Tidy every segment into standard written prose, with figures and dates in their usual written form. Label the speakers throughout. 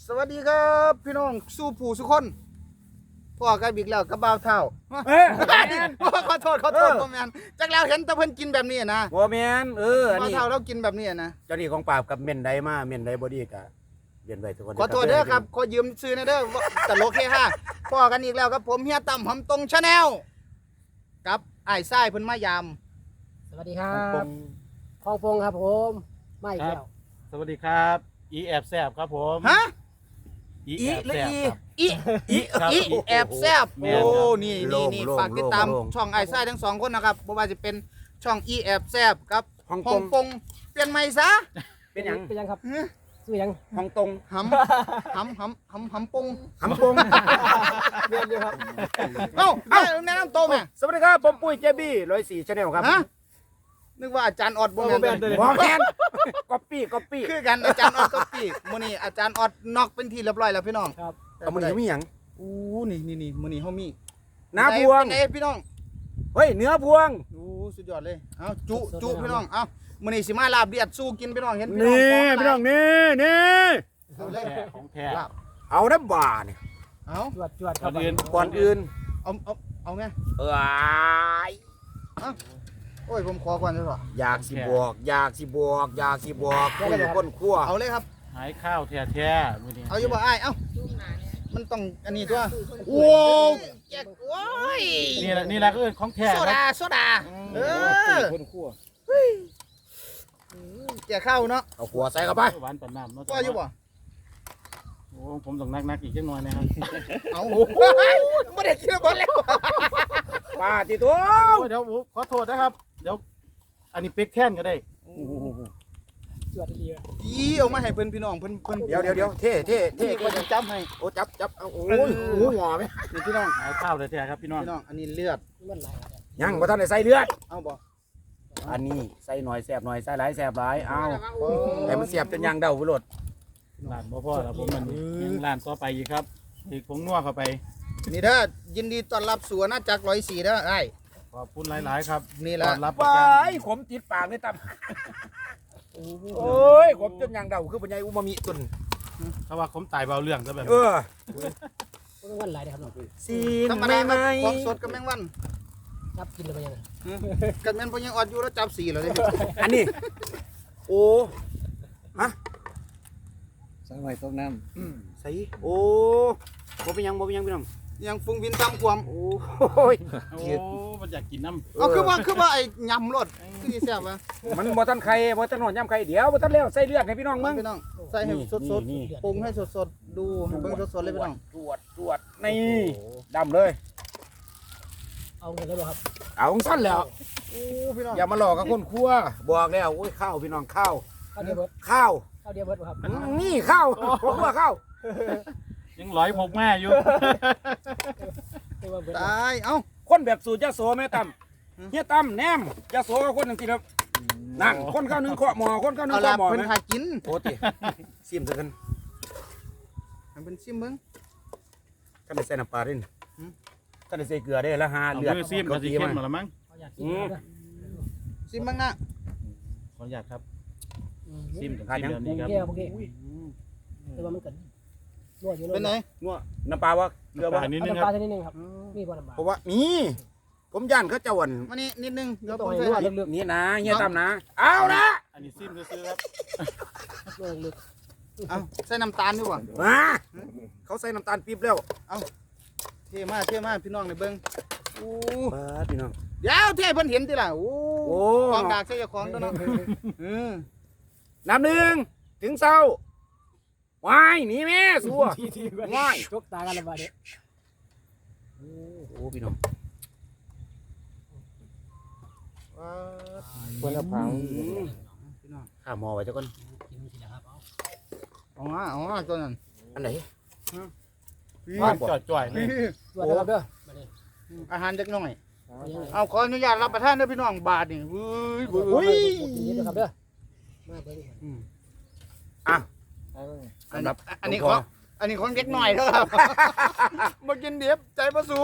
Speaker 1: สวัสดีครับพี่น้องสู้ผู้สุคนพ่อกันอีกแล้วกับบ่าวเท่าขอโทษพ่อแมนจากแล้วเห็นแต่เพิ่นกินแบบนี้นะ
Speaker 2: บ่แม่นอัน
Speaker 1: บ่าว
Speaker 2: นี้
Speaker 1: เท่าเรากินแบบนี้นะ
Speaker 2: เจ้าหนี้ของปราบกับเม่นใดมาเม่นใดบ่ดีก็เรียนไว้ทุกคน
Speaker 1: ขอโทษเด้อครับขอยืมซื้อนะเด้อตลกเฮฮาพ่อกันอีกแล้วครับผมเฮียตั้มหำตรงชาแนลกับอ้ายทรายเพิ่นมายาม
Speaker 3: สวัสดีครับคลองพงครับผมไม่แล้ว
Speaker 4: สวัสดีครับอีแอบแซบครับผม
Speaker 1: ฮะ
Speaker 4: อีแอบแซบครับ
Speaker 1: อีแอบแซบ
Speaker 4: แม่
Speaker 1: โอ้
Speaker 4: นครับ
Speaker 1: นี่ฝากติดตามช่องอ้ายทรายทั้งสองคนนะครับบ่ว่าจะเป็นช่องอีแอบแซบกับ
Speaker 2: ฮ่อง
Speaker 1: ฮ่
Speaker 2: ก
Speaker 1: อง
Speaker 2: ง
Speaker 1: กงเปลี่ยนใหม่ซะ
Speaker 2: เป็นหยัง
Speaker 3: เป็นยังครับซื้อยัง
Speaker 2: ฮ่องตง
Speaker 1: หำปง
Speaker 2: หำปง
Speaker 3: เรียนอยู่ครับ
Speaker 1: เอ้าแนะนำตัวแม่
Speaker 2: สวัสดีครับผมปุ้ยเจบี้104 Channel ครับ
Speaker 1: ฮะนึกว่าอาจารย์ออดบ่แม่น
Speaker 2: บ่แม่นก๊อปปี้
Speaker 1: คือกันอาจารย์ออดก็ปีกมื้อนี้อาจารย์ออดนอกเป็นที่เรียบร้อยแล้วพี่น้อง
Speaker 3: ครับ
Speaker 2: เอามื้อนี้มีหยัง
Speaker 1: อู้นี่มื้อนี้เฮามี
Speaker 2: น้าพวง
Speaker 1: เป็นไงพี่น้อง
Speaker 2: เฮ้ยเนื้อพวง
Speaker 1: อู้สุดยอดเลยเอ้าจุพี่น้องเอ้ามื้อนี้สิมาลาบเลียดสู้กินพี่น้องเห็นพี่น้อง
Speaker 2: นี่พี่น้องนี่
Speaker 1: เอาเลย
Speaker 4: ของแท้
Speaker 1: ลาบ
Speaker 2: เอาน้ำบ่าเนี่ย
Speaker 1: เอา
Speaker 3: จวดครับ
Speaker 4: ก่อนอื่น
Speaker 2: ก่อนอื่น
Speaker 1: เอาไง
Speaker 2: เอ้ย
Speaker 1: โอ้ยผมขอก่อนดีกว่า
Speaker 2: อยากสิบอกคุยคนครัว
Speaker 1: เอาเลยครับ
Speaker 4: หายข้าวแท้ๆมื้อนี้
Speaker 1: เอาอยู่บ่อ้ายเอ้ามันต้องอันนี้ตัวโว้วแจกโอ้ย
Speaker 4: นี่แหละก็คือของแท้
Speaker 1: โซ
Speaker 4: ครั
Speaker 1: ดา
Speaker 4: บ
Speaker 1: โซดา
Speaker 2: คนครัว
Speaker 1: แจกข้าวเนาะ
Speaker 2: เอาขัวใส่เข้าไป
Speaker 4: หวานปานน้ำเนาะ
Speaker 1: ว่าอยู่บ่
Speaker 4: โอ้ผมต้องนักอีกจังหน่อยนะครับ
Speaker 1: เอาไม่ได้คิดว่าแล้ว
Speaker 2: ปาติตัว
Speaker 4: โอ้ยเดี๋ยวขอโทษนะครับเดี๋ยวอันนี้เป็กแท่นก็ได้
Speaker 3: จวดดี
Speaker 1: อีเอามาให้เพิ่นพี่น้องเพิ่น
Speaker 2: เดี๋ยวเท่
Speaker 1: ก็จะจับให้
Speaker 2: โอ้จับเอาโอ้ยหูหัวไหม
Speaker 1: นี่พี่น้อง
Speaker 4: หายข้าวแท้ๆครับพี่น้อง
Speaker 1: พี่น้องอันนี้เลือด
Speaker 3: มันไหล
Speaker 2: ยังบ่ทันได้ใส่เลือด
Speaker 1: เอาบ่
Speaker 2: อันนี้ใส่หน่อยแสบหน่อยใส่หลายแสบหลายเอาแต่มันเสียบจนยางเดาไปโลด
Speaker 4: ร้านบ่พอแล้วผมมันยังร้านต่อไปอีกครับอีกผงนัวเข้าไป
Speaker 1: นี่เด้อยินดีต้อนรับสู่อาณาจักร104เด้อไอ้
Speaker 4: ขอบคุณหลายๆครับ
Speaker 1: นี่แหละ
Speaker 4: ต้อนรับ
Speaker 2: ไป
Speaker 4: ประกัน
Speaker 2: ขมติดปากเลยตับโอ้ยขมจนยางเดาคือปัญญาอุมามิตุน
Speaker 4: ถ้าว่าผมตายเบาเรื่องซะแบบ
Speaker 2: เออ
Speaker 3: มันไหลนะครับ
Speaker 2: ซีน
Speaker 1: ธรรม
Speaker 2: ไม่
Speaker 1: ดา
Speaker 2: ไม่
Speaker 1: ของสดกับแมงวัน
Speaker 3: ครับกินเลยไปยัง
Speaker 1: กันแม่นเพิ่นยังออดอยู่แล้วจับ4แล้วเด้
Speaker 2: อันนี้โอ้ฮะ
Speaker 5: สังไว้ต้มน้
Speaker 2: ใส่โอ้บ่เป็นหยังพี่น้อง
Speaker 1: ยังฟุ้งวินตามความ
Speaker 2: โอ้ย
Speaker 4: โอ้มันอยากกินน้ำ
Speaker 1: เอาคือว่าไอ้ยำรสคือสิแซ่บวะ
Speaker 2: มันบ่ทันไข่บ่ทันหอนย่ำไข่เดี๋ยวบ่ทันแล้วใส่เลือดให้พี่น้องมึง
Speaker 1: พี่น้องใส่ให้สด
Speaker 2: นี่
Speaker 1: ๆปรุงให้สดๆดูให้เบิ่งสดๆเลยพี่น้อง
Speaker 2: ตรวจนี่ดำเลย
Speaker 3: เอาเงินแล้วครับ
Speaker 2: เอาของสั้นแล้ว
Speaker 1: โอ้พี่น้อง
Speaker 2: อย่ามาหลอกกับคนครัวบอกแล้วโอ้ยข้าวพี่น้องข้าว
Speaker 3: ข้าวเดียวเบิร์ด
Speaker 2: ข้าว
Speaker 3: ข้าวเดียวเบิร์ดครับ
Speaker 2: นี่ข้าวผมว่าข้าว
Speaker 4: ยังร้อยพกแม่อยู่
Speaker 3: ตัวเบิร์ด
Speaker 1: ตายเอ้า
Speaker 2: คนแบบสูตรยะโสแม่ตั้มเฮียตั้มแนมยะโสกับคนจังซี่ครับนั่นคนข้าวหนึงเคาะหม้อคนข้าวหนึง
Speaker 1: เอาล่ะ
Speaker 2: เคาะหม้อ
Speaker 1: เพิ่น
Speaker 2: นะ
Speaker 1: หากิน
Speaker 2: โอ้ติซิมซะกัน
Speaker 1: ให้เพิ่นชิมเบิ่ง
Speaker 2: ท่านได้ใส่น้ำปลาด้วยนี่ท่านได้ใส่เกลือได้แล้วหา
Speaker 4: เอา
Speaker 2: เลือด
Speaker 4: มือซีมกับสีเข้มหมดแล้วมั้ง
Speaker 3: เขาอยากกินนะ
Speaker 1: ชิมเบิ่งนะ
Speaker 4: ขออนุญาตครับซีมกับ
Speaker 2: ขาด
Speaker 4: ซี
Speaker 2: ยั
Speaker 4: ม
Speaker 2: ง
Speaker 4: แบบนี้ครับ
Speaker 3: แก้วโอเคแต่ว่ามันกันนวดอยู่
Speaker 1: เป็นไหน
Speaker 2: นัวน้ำปลาวะเกลือ
Speaker 4: ป
Speaker 2: วะ
Speaker 4: ลานิดนึง
Speaker 3: น้ำ
Speaker 4: ค
Speaker 3: ปลา
Speaker 4: รับ
Speaker 3: ชนิดนึงครับมีบ่น้ำปลา
Speaker 2: เพราะว่ามีผมย่านเขาเจ้าวัน
Speaker 1: มานี่นิดนึงเดี๋ยว
Speaker 3: ต้
Speaker 1: ผ
Speaker 3: อง
Speaker 1: ม
Speaker 3: ให้
Speaker 1: ใส่
Speaker 3: นวด
Speaker 1: ให้
Speaker 3: ลึก
Speaker 2: นี่นะเฮียตั้มนะเอานะ
Speaker 4: อันนี้ซีมซื้อๆครับ
Speaker 3: ๆนวดลึก
Speaker 1: เอาใส่น้ำตาลดีกว่า
Speaker 2: มาเขาใส่น้ำตาลปี๊บแล้ว
Speaker 1: เท่มากพี่น้องในเบิ่งโอ้
Speaker 2: มาพี่น้อง
Speaker 1: เดี๋ยวเท่เพิ่นเห็นติล่ะโอ้
Speaker 2: โอ้
Speaker 1: ของดากใส่เจ้าของตัวเนาะ
Speaker 2: น้ำหนึ่งถึงเศร้าวายหนีแม่สัววาย
Speaker 3: จกตากันละบาดเนี่ย
Speaker 2: โอ้พี่น้อง
Speaker 5: คนละพัง
Speaker 1: พี่น้อง
Speaker 2: ข้าหมอไว้เจ้าก่อน
Speaker 3: กินทีละครับเอา
Speaker 1: เอามาตัวนั้น
Speaker 2: อันไหน
Speaker 4: ว่างจ่อยๆเลย
Speaker 3: จวดนะครับเด้อมาดิ
Speaker 1: อาหารเล็กน้อย
Speaker 3: ยังไง
Speaker 1: เอาขออนุญาตรับประทานเด้อพี่น้องบาทนี่เว้ย
Speaker 3: กินนิดนะครับเด้อมาเบิ่ง
Speaker 2: อ่ะ
Speaker 1: อันนี้ของเล็กน้อยเด้อครับมากินเดียบใจบ่สู้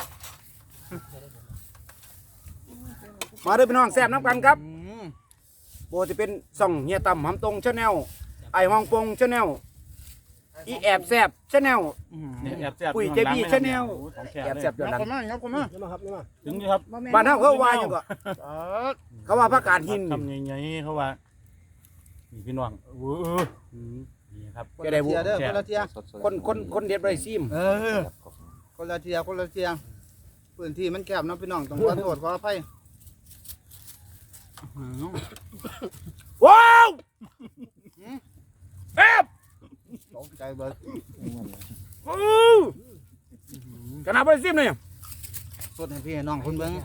Speaker 2: มาเด้อพี่น้องแซ่บน้ำกันครับโบจะเป็นส่องเฮียต่ำหำตรงชาแนลไอฮ่องปงชาแนลอีแอบแซบชาแนล
Speaker 4: เนี่ยแอบแซ่บ
Speaker 2: ปุ้ย
Speaker 4: อยู่
Speaker 2: เจ
Speaker 4: ข้างหลัง
Speaker 2: บี้
Speaker 4: เลย
Speaker 2: Channel
Speaker 4: โอ้โหของแท้
Speaker 2: แอบ
Speaker 4: เลย
Speaker 2: แซบย้อนหลัง
Speaker 1: ยับเข้ามา
Speaker 3: นี่มาครับนี่มา
Speaker 4: ถึงนี่ครับ
Speaker 2: บ้านเฮาเขาว่าอยู่ก็เขาว่าผักกาดหิน
Speaker 4: ทำใหญ่ๆเขาว่านี่พี่น้องโอ้โหนี่ครับ
Speaker 1: คนละเทียเด้อคนละเทีย
Speaker 2: คนเด็ดบ่ได้ซิม
Speaker 1: คนละเทียคนละเทียพื้นที่มันแคบเนาะพี่น้องต้องขอโทษขออภัย
Speaker 2: ว้าวแซ่บ
Speaker 1: ตกใจเบิด
Speaker 2: ขนาดบ่ได้ซิมเลย
Speaker 1: สดให้พี่ให้น้องคุณเบิ่ง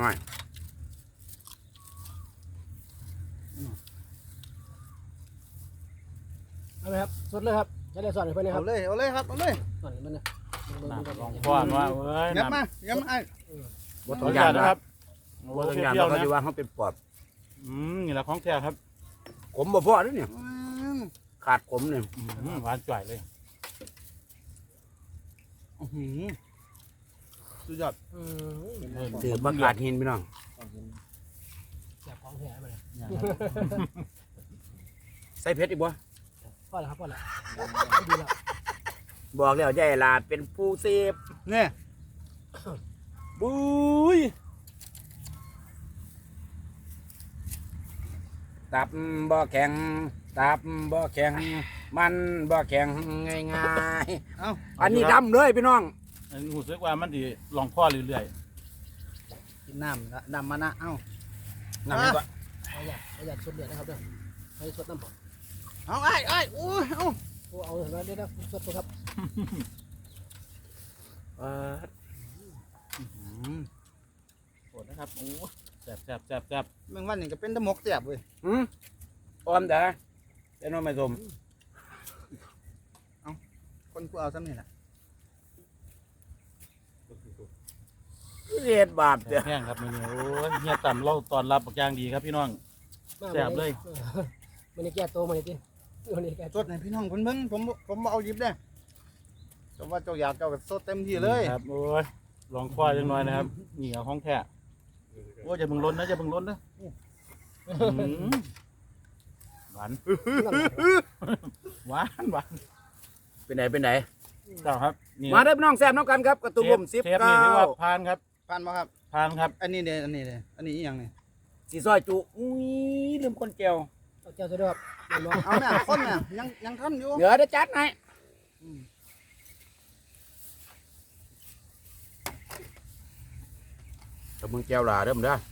Speaker 3: เอาไหมครับสดเลยครับจะได้สอนให้เพื่อนนะค
Speaker 1: เอา
Speaker 3: รับ
Speaker 1: เลยเอาเลยครับเอาเลย
Speaker 3: สอนให้เพื่อนนะ
Speaker 4: น้ำลองป้อนว่าเว้ย
Speaker 1: ยับ
Speaker 4: น้ำ
Speaker 1: มายับมาไอ้
Speaker 2: บ่
Speaker 4: ข
Speaker 2: ต้
Speaker 4: อ
Speaker 2: อ
Speaker 4: อง นุ
Speaker 2: ยา
Speaker 4: ญาน ต
Speaker 2: นะ
Speaker 4: นะ
Speaker 2: ค
Speaker 4: ค
Speaker 2: รั
Speaker 4: รั
Speaker 2: บบ
Speaker 4: โอ้
Speaker 2: บ่ต้อง
Speaker 4: เป
Speaker 2: ยาน
Speaker 4: รี้ยว
Speaker 2: เขา
Speaker 4: นะ
Speaker 2: สิว่าเฮาเป็นปอบ
Speaker 4: นี่แหละของแท้ครับ
Speaker 2: ขมบ่พอเด้อเนี่ยขาดขมเนี่ย
Speaker 4: หวานจ่อยเลย
Speaker 1: สุดยอด
Speaker 2: ถือผักกาดหินพี่น้อง
Speaker 3: แซ่บของแท้มาเลย
Speaker 2: ใส่เผ็ดอีกบ่
Speaker 3: พอแล้วครับพอแล้วดีแล้ว
Speaker 2: บอกแล้วยายหลาดเป็นผู้เสพ
Speaker 1: เนี่ย
Speaker 2: บุ้ยตับบ่แข็งตับบ่แข็งมันบ่แข็งง่าย
Speaker 1: เอ้า
Speaker 2: ๆอันนี้ดำเลยพี่น้อง
Speaker 4: อันนี้รู้สึกว่ามันดีลองพ่อเรื่อย
Speaker 1: กินน้ำละน้ำมานะเอ้า
Speaker 2: น้ำนี่ก็
Speaker 3: ประหยัดสดเดือดนะครับเด้อให้สดน้ำเปล่า
Speaker 1: เอาไอ้ไอ้โอ้ยเอา
Speaker 3: โอ้เอาเห็นไหมเดี๋ยวสดครับ
Speaker 4: ๆโอดนะครับโอ้แซ่บแซ่บแซ่บแซ่บ
Speaker 1: แมงวันนี่ก็เป็นตะหมกแสบเว้ย
Speaker 2: ออมเด้อเป็นน้องไม่สม
Speaker 1: คนกูเอาซ้ำนี่แหละ
Speaker 2: เรียดบาปเด้อ
Speaker 4: แห้งครับนี่โอ้ยเฮียต่ำเราตอนรับปักอย่างดีครับพี่น้อง แซ่บเลย
Speaker 3: มันนี่แก้โตมาเลยจิมันนี่แก้
Speaker 1: สดให้พี่น้องคนเบิ่งผมบ่เอาหยิบเด้อแต่ว่าเจ้าอยากเจ้าก็สดเต็มที่เลย
Speaker 4: ครับโอ้ยลองพ่อจังหน่อยนะครับนี่เอาของแท้โอ้ยอย่าเบิ่งล้นนะอย่าเบิ่งล้นนะหวานหวานหวาน
Speaker 2: เป็นไหนเป็นไหน
Speaker 4: เจ้าครับนี่
Speaker 2: มาเด้อพี่น้องแซ่บน้องกันครับกระตุ้มผม
Speaker 4: เทปนี่เรียกว่าพานครับ
Speaker 1: ผ่านบ่ครับ
Speaker 4: พานครับ
Speaker 1: อันนี้เด้อันนี้เด้อันนี้อีหยังนี่
Speaker 2: สีซอยจุอุ้ยลืมคนแก้ว
Speaker 3: เอาแก้วจะด้วยครับ
Speaker 1: เอาแม่คนแม่ยังทันอยู่
Speaker 2: เดี๋ยวจะจัดให้ตะมึงแก้วหลาเด้อมึงเด้อ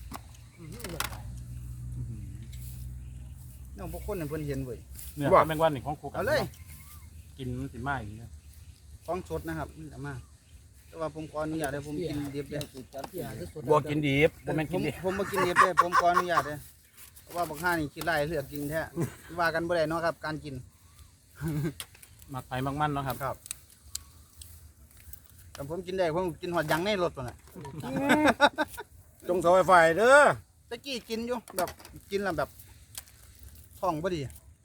Speaker 1: น้องพวกคนเนี่ยเพิ่นเห็นเว้ย
Speaker 4: เนี่ยแมงวันนี่ของครูกั
Speaker 1: เอาเลย
Speaker 4: กินมันสิมาอย่างนี้นะ
Speaker 1: ของสดนะครับนี่เอามาแต่ว่าผมขออนุญาตให้ผมกินดิบเด้อ
Speaker 3: เกี่ยสด
Speaker 2: บัวกินดิบบ่แม่น
Speaker 1: ผ
Speaker 2: กิน
Speaker 1: ม
Speaker 2: ดิบ
Speaker 1: ผมมากินดิบเด้อผมขออนุญาตเด้อเพราะว่าบักห่านี่กินไล่เลือกกินแท้ว่ากันบ่ได้เนาะครับ การกิน
Speaker 4: หมักไผ่หมักมันเนาะครับ
Speaker 1: ครับแต่ผมกินได้ผมกินหอดยังในรถพุ่นน่ะ
Speaker 2: จงซอยไฟเด้อ
Speaker 1: ตะกี้กินอยู่แบบกินแล้วแบบท้องบ่ดี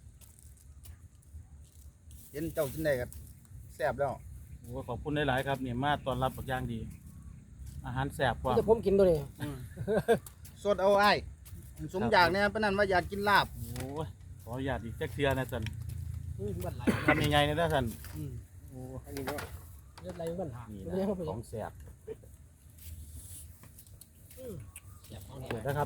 Speaker 1: เห็นเจ้ากินได้ก็แซ่บแล้ว
Speaker 4: โอ้ขอบคุณหลายๆครับเนี่ยมาตอนรับปักอย่างดี อาหารแซ่บกว่า
Speaker 3: จะผมกินตัวนี้
Speaker 1: สดเอาไอ้ายสมอยากเนี่ยปานนั้นว่าอยากกินลาบ
Speaker 4: โอ้ยขออนุญาตอีกแจ็คเทียนะสัน
Speaker 3: บ้านไหล
Speaker 4: ทำยังไงเนี่ยนะสัน
Speaker 1: อืม
Speaker 4: โอ้
Speaker 3: เลือดไหลบ้านหา
Speaker 4: นี่
Speaker 3: ไม่ใช่เข้าไป
Speaker 4: นะของแซ่บ
Speaker 3: แซ่บของ
Speaker 4: ส
Speaker 3: แท้
Speaker 4: วยนะครับ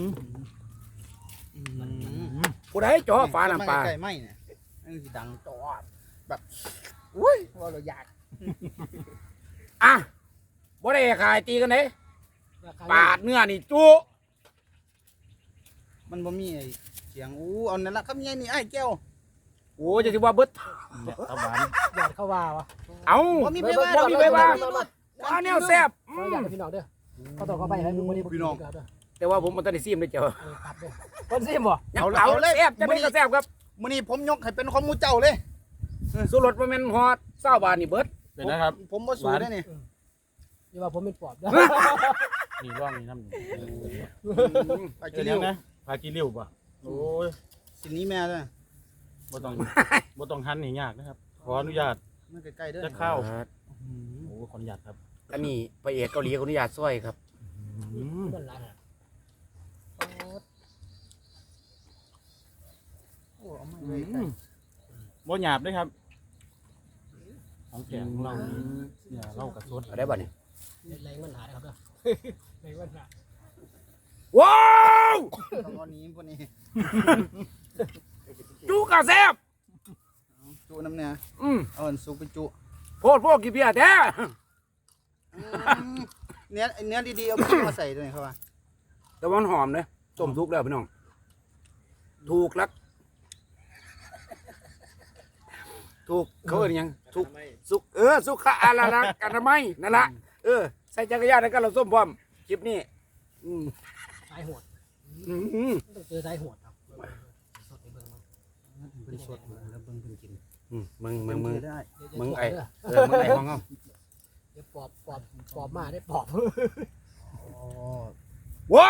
Speaker 2: ผู้ใดจ่อฟ้าน้ำปลา
Speaker 1: ไก่ไหมเนี่ยมันสิดังจอดแบบอุ้ยว่าเราอยาก
Speaker 2: อ่ะบ่ได้ขายตีกันเด้ปาดเนื้อนี่จุ
Speaker 1: มันบ่มีไอ้เสียงอู้เอานั่นละครับยายนี่ไอ้ายแก้ว
Speaker 2: โอ้จะสิว่าเบิด
Speaker 4: เนี่ยตะหวาน
Speaker 3: หยาดเข้าว่าวะ
Speaker 2: เอ้า
Speaker 1: บ่มีไปว่า
Speaker 2: บ่มีไปว่า
Speaker 1: บ่มี
Speaker 2: ว่าแนวแซ่บ
Speaker 3: ขออยากพี่น้องเด้อเขาต้องเข้าไปให้คนนี้
Speaker 2: แต่ว่าผมบ่ทันได้ซิมเลยเจ้า
Speaker 3: ตัดเด้อคนซิมบ่
Speaker 2: ยังเอาแซ่บจะได้ก็แซ่บครับ
Speaker 1: มื้อนี้ผมยกให้เป็นของหมู่เจ้าเลย
Speaker 2: สุรสบ่แม่นฮอด20บาทนี่เบิด
Speaker 4: เป็นนะครับ
Speaker 1: ผมบ่สู้ได้นี่
Speaker 3: อย่าว่าผมเป็นปอบเด้อ
Speaker 4: นี่ร่องนี่น้ำหนึ่ง
Speaker 1: ไป
Speaker 4: เจ
Speaker 1: กิ
Speaker 4: อน
Speaker 1: เร็
Speaker 4: ยั
Speaker 1: ว
Speaker 4: งนะพากินเร็วป่ะโอ้ย
Speaker 1: สินี้แม่เด้อ
Speaker 4: บ่ต้องบ่ต้องหั่นนี่ยากนะครับ ขออนุญาต
Speaker 1: มันใกล้ๆเด้อ
Speaker 4: จะเข้าโอ้ขออนุญาตครับ
Speaker 2: อันนี้พระเอกเกาหลีขออนุญาตซอยครับ
Speaker 3: บ้านไหล
Speaker 1: โอ้เอามาไว้ใกล้
Speaker 4: บ่หยาบด้วยครับของแท้ของเรานี่เนี่ยเรากระสด
Speaker 2: เอาได้บ่เนี่ย
Speaker 3: แรงมันหาได้ครับเด้อแรงมันหา
Speaker 2: ว้าว
Speaker 1: ต้องเอานี้พวกนี้
Speaker 2: จุกระแซ่บ
Speaker 1: จุน้ำเนี่ย เอาอันซุปไปจุ
Speaker 2: โพดพวกกี่เบียร์แท้
Speaker 1: เนื้อดีๆเอาไปมาใส่ด้วยครับว่า
Speaker 2: แต่ว่ามันหอมเลยต้มสุกแล้วพี่น้องถูกลักถูกเขาเรียกยังถูกสุกสุขะอะไรนะกันทำไมยนั่นละใส่จักรยานแล้วก็เราส้มพร้อมคลิปนี้
Speaker 3: สายโหด
Speaker 2: อืม
Speaker 3: ต้องเจอสายโหดครับสดในเบิ่งมัน
Speaker 1: เป็นสดแล้วเบิ่งเพิ่นกิน
Speaker 2: มึง
Speaker 1: ได้
Speaker 2: มึงไอ้มึงไอ้ของเขา
Speaker 3: เดี๋ยวปอบมาได้ปอบ
Speaker 1: อ๋อ